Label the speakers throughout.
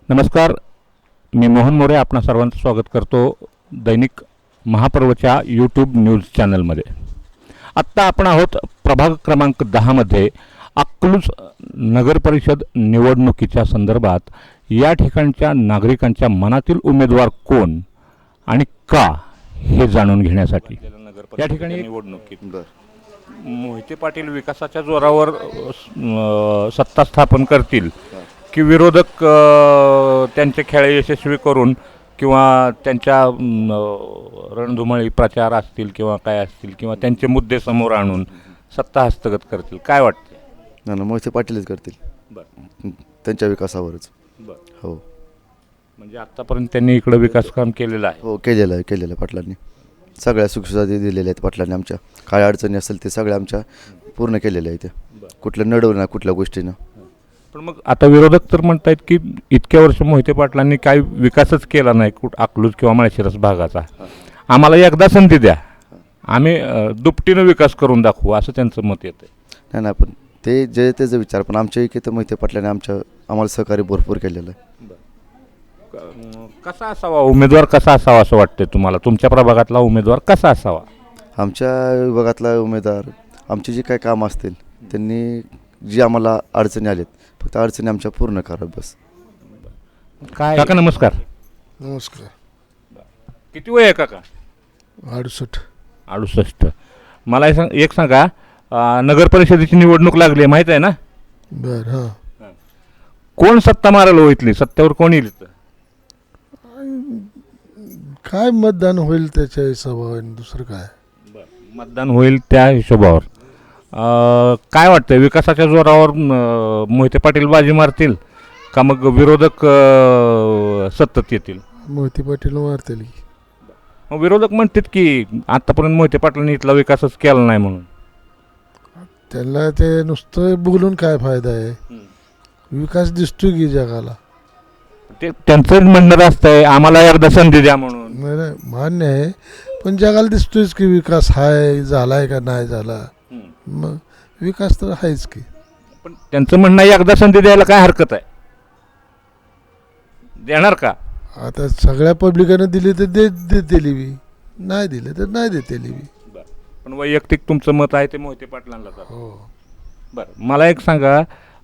Speaker 1: नमस्कार, मी मोहन मोरे आपणा सर्वांचं स्वागत करतो दैनिक महापर्वच्या यूट्यूब न्यूज चॅनलमध्ये. आत्ता आपण आहोत प्रभाग क्रमांक 10मध्ये अकलूज नगर परिषद निवडणुकीच्या संदर्भात या ठिकाणच्या नागरिकांच्या मनातील उमेदवार कोण आणि का हे जाणून घेण्यासाठी या ठिकाणी निवडणुकीत मोहिते पाटील विकासाच्या जोरावर सत्ता स्थापन करतील की विरोधक त्यांचे खेळ यशस्वी करून किंवा त्यांच्या रणधुमाळी प्रचार असतील किंवा काय असतील किंवा त्यांचे मुद्दे समोर आणून सत्ता हस्तगत करतील, काय वाटते?
Speaker 2: ना मोहिते पाटीलच करतील.
Speaker 1: बरं,
Speaker 2: त्यांच्या विकासावरच.
Speaker 1: बरं.
Speaker 2: हो,
Speaker 1: म्हणजे आत्तापर्यंत त्यांनी इकडं विकास काम केलेलं आहे.
Speaker 2: हो, केलेलं आहे पाटलांनी. सगळ्या सुखसुविधा दिलेल्या आहेत पाटलांनी. आमच्या काय अडचणी असेल ते सगळ्या आमच्या पूर्ण केलेल्या आहेत. कुठलं नडवलं ना कुठल्या गोष्टीनं.
Speaker 1: पण मग आता विरोधक तर म्हणतायत की इतक्या वर्ष मोहिते पाटलांनी काही विकासच केला नाही अकलूज किंवा माळशिरस भागाचा. आम्हाला एकदा संधी द्या, आम्ही दुपटीनं विकास करून दाखवू, असं त्यांचं मत येतं.
Speaker 2: नाही ना, पण ते जे त्याचा विचार, पण आमच्या इथे तर मोहिते पाटलांनी आम्हाला सहकार्य भरपूर केलेलं आहे.
Speaker 1: कसा असावा उमेदवार, कसा असावा असं वाटतं तुम्हाला? तुमच्या प्रभागातला उमेदवार कसा असावा?
Speaker 2: आमच्या विभागातला उमेदवार आमचे जे काही काम असतील त्यांनी जी आम्हाला अडचणी आलेत फक्त अडचणी आमच्या पूर्ण करा बस.
Speaker 1: काय काका नमस्कार.
Speaker 3: नमस्कार.
Speaker 1: किती वय आहे काका?
Speaker 3: 68.
Speaker 1: मला एक सांगा, नगर परिषदेची निवडणूक लागली आहे माहीत आहे ना?
Speaker 3: बर. हां.
Speaker 1: कोण सत्ता मारायला हो इथली? सत्तेवर कोण येईल?
Speaker 3: काय मतदान होईल त्याच्या हिशोबाने, दुसरं काय.
Speaker 1: मतदान होईल त्या हिशोबावर. काय वाटतं, विकासाच्या जोरावर मोहिते पाटील बाजी मारतील का मग विरोधक सतत येतील?
Speaker 3: मोहिते पाटील मारतील.
Speaker 1: मग विरोधक म्हणतात की आतापर्यंत मोहिते पाटलांनी इथला विकासच केला नाही म्हणून.
Speaker 3: त्यांना ते नुसतं बोलून काय फायदा आहे? विकास दिसतो की जगाला.
Speaker 1: ते त्यांचं म्हणणं असतंय आम्हाला एकदा संधी द्या म्हणून.
Speaker 3: नाही, मान्य आहे, पण जगाला दिसतोयच की विकास आहे, झालाय का नाही झाला. मग विकास तर आहेच की.
Speaker 1: पण त्यांचं म्हणणं एकदा संधी द्यायला काय हरकत आहे? देणार का?
Speaker 3: आता सगळ्या पब्लिकानं दिली तर दिली बी, नाही दिले तर नाही देतेली बी.
Speaker 1: पण वैयक्तिक तुमचं मत आहे ते मोहिते पाटलांना.
Speaker 3: हो.
Speaker 1: बरं, मला एक सांगा,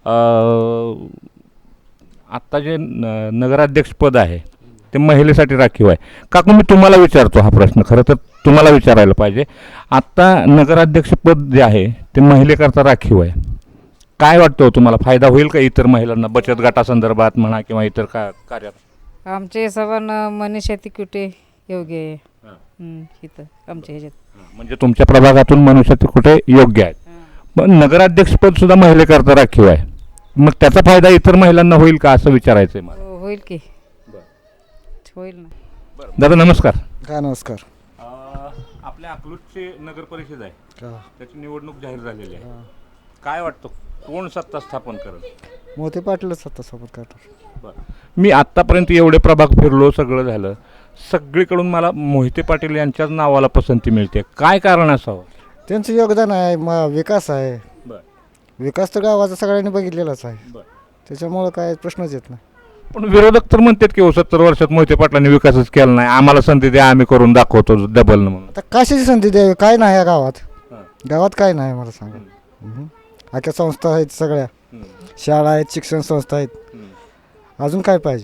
Speaker 1: आत्ता जे नगराध्यक्षपद आहे ते महिलेसाठी राखीव आहे. काकू मी तुम्हाला विचारतो हा प्रश्न, खरं तर तुम्हाला विचारायला पाहिजे. आत्ता नगराध्यक्षपद जे आहे ते महिलेकरता राखीव आहे. काय वाटतं तुम्हाला, फायदा होईल का इतर महिलांना बचत गटासंदर्भात म्हणा किंवा इतर कार्यात?
Speaker 4: आमच्या हिशोबानं मनीषा तिकुटे योग्य आहे इथं आमच्या ह्याच्यात.
Speaker 1: म्हणजे तुमच्या प्रभागातून मनुष्य कुठे योग्य आहेत. पण नगराध्यक्षपद सुद्धा महिलेकरता राखीव आहे, मग त्याचा फायदा इतर महिलांना होईल का असं विचारायचं आहे मला.
Speaker 4: होईल की होईल ना.
Speaker 1: दादा नमस्कार.
Speaker 2: काय नमस्कार.
Speaker 1: आपल्या अकलूजची नगर परिषद आहे, त्याची निवडणूक जाहीर झालेली आहे. काय वाटतं कोण सत्ता स्थापन करेल?
Speaker 2: मोहिते पाटीलच सत्ता स्थापन करणार.
Speaker 1: बरं, मी आत्तापर्यंत एवढे प्रभाग फिरलो, सगळं झालं, सगळीकडून मला मोहिते पाटील यांच्याच नावाला पसंती मिळते. काय कारण असावं?
Speaker 5: त्यांचं योगदान आहे, विकास आहे. विकास तर गावाचा सगळ्यांनी बघितलेलाच आहे, त्याच्यामुळं काय प्रश्नच येत नाही.
Speaker 1: पण विरोधक तर म्हणतात की 70 वर्षात मोहिते पाटलांनी विकासच केला नाही, आम्हाला संधी द्या, आम्ही करून दाखवतो डबल म्हणून.
Speaker 5: आता कशाची संधी द्यावी? काय नाही या गावात काय नाही मला सांगा. अख्या संस्था आहेत, सगळ्या शाळा आहेत, शिक्षण संस्था आहेत, अजून काय पाहिजे?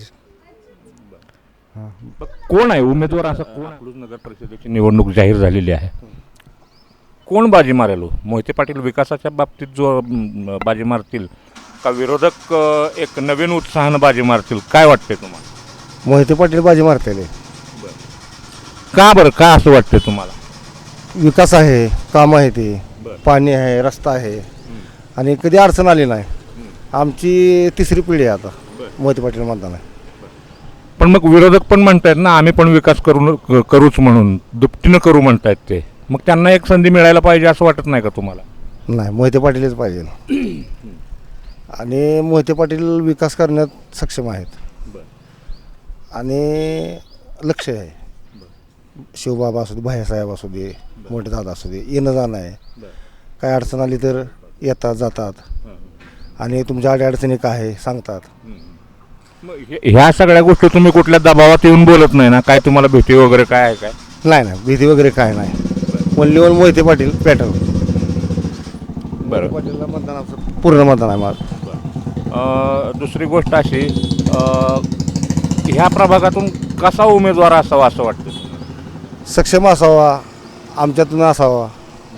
Speaker 1: कोण आहे उमेदवार असा? कोण? अकलूज नगर परिषदेची निवडणूक जाहीर झालेली आहे, कोण बाजी मारेल? मोहिते पाटील विकासाच्या बाबतीत जो बाजी मारतील का विरोधक एक नवीन उत्साहानं बाजी मारतील? काय वाटते तुम्हाला?
Speaker 5: मोहिते पाटील बाजी मारतेले.
Speaker 1: का बरं, का असं वाटतं तुम्हाला?
Speaker 5: विकास आहे, काम आहे, ते पाणी आहे, रस्ता आहे, आणि कधी अडचण आली नाही. आमची तिसरी पिढी आहे आता मोहिते पाटील मतदान आहे.
Speaker 1: पण मग विरोधक पण म्हणतायत ना आम्ही पण विकास करूच म्हणून, दुपटीनं करू म्हणतायत ते. मग त्यांना एक संधी मिळायला पाहिजे असं वाटत नाही का तुम्हाला?
Speaker 5: नाही, मोहिते पाटीलच पाहिजे. आणि मोहिते पाटील विकास करण्यात सक्षम आहेत आणि लक्ष आहे. शिवबाबा असू दे, भाईसाहेब असू दे, मोठे दादा असू दे, येणं जाणं आहे. काय अडचण आली तर येतात जातात आणि तुमच्या अडचणी काय आहे सांगतात.
Speaker 1: ह्या सगळ्या गोष्टी तुम्ही कुठल्या दबावात येऊन बोलत नाही ना? काय तुम्हाला भीती वगैरे काय आहे काय?
Speaker 5: नाही नाही भीती वगैरे काय नाही. Only one Mohite Patil pattern.
Speaker 1: बरं.
Speaker 5: पाटीलला मतदान आमचं पूर्ण मतदान आहे माझं.
Speaker 1: दुसरी गोष्ट अशी, ह्या प्रभागातून कसा उमेदवार असावा असं वाटतं?
Speaker 5: सक्षम असावा, आमच्यातून असावा.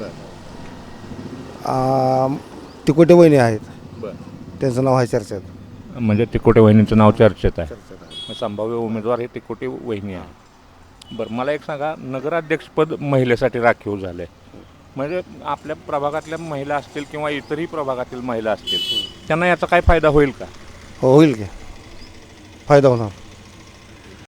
Speaker 5: तिकोटे वहिनी आहेत, त्यांचं नाव आहे चर्चेत.
Speaker 1: म्हणजे तिकोटे वहिनींचं नाव चर्चेत आहे. संभाव्य उमेदवार हे तिकोटे वहिनी आहे. बरं, मला एक सांगा, नगराध्यक्षपद महिलेसाठी राखीव झालं आहे. म्हणजे आपल्या प्रभागातल्या महिला असतील किंवा इतरही प्रभागातील महिला असतील, त्यांना याचा काय फायदा होईल का?
Speaker 5: हो, होईल की, फायदा होणार.